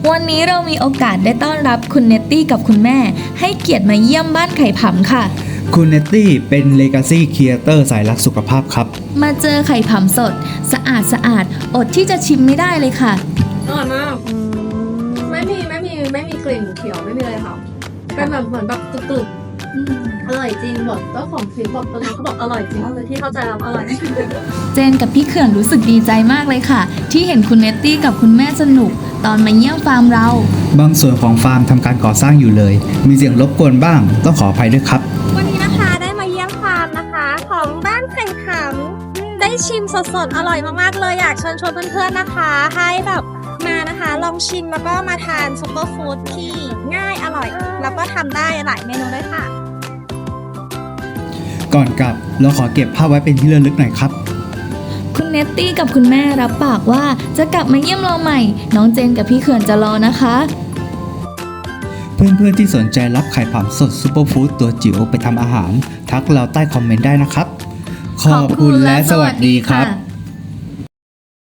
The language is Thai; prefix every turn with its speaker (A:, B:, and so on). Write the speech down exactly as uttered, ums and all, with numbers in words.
A: วันนี้เรามีโอกาสได้ต้อนรับคุณเนตตี้กับคุณแม่ให้เกียรติมาเยี่ยมบ้านไข่ผำค่ะ
B: คุณเนตตี้เป็น Legacy Creator สายรักสุขภาพครับ
A: มาเจอไข่ผำสดสะอาดสะอาดอดที่จะชิมไม่ได้เลยค่ะ
C: อร่อยมากไม่มีไม่มีไม่มีกลิ่นเขียวไม่มีอะไรค่ะเป็นแบบเหมือนแบบกรึบๆอร่อยจริงบอกเจ้าของคลิปบอกตอนนั้นเขาบอกอร่อยจริงเลยที่เข้าใจแล้วอร่อย
A: เจนกับพี่เขื่อนรู้สึกดีใจมากเลยค่ะที่เห็นคุณเนตตี้กับคุณแม่สนุกตอนมาเยี่ยมฟาร์มเรา
B: บางส่วนของฟาร์มทำการก่อสร้างอยู่เลยมีเสียงรบกวนบ้างต้องขออภัยด้วยครับ
D: วันนี้นะคะได้มาเยี่ยมฟาร์มนะคะของบ้านไข่ผำได้ชิมสดๆอร่อยมากๆเลยอยากเชิญชวนเพื่อนๆนะคะให้แบบมานะคะลองชิมแล้วก็มาทานซุปเปอร์ฟู้ดที่ง่ายอร่อยแล้วก็ทำได้หลายเมนูด้วยค่ะ
B: ก่อนกลับเราขอเก็บภาพไว้เป็นที่ระลึกหน่อยครับ
A: คุณเนตตี้กับคุณแม่รับปากว่าจะกลับมาเยี่ยมเราใหม่น้องเจนกับพี่เขื่อนจะรอนะคะ
B: เพื่อนๆที่สนใจรับไข่ผำสดซุปเปอร์ฟู้ดตัวจิ๋วไปทำอาหารทักเราใต้คอมเมนต์ได้นะครับขอบคุณและสวัสดีครับ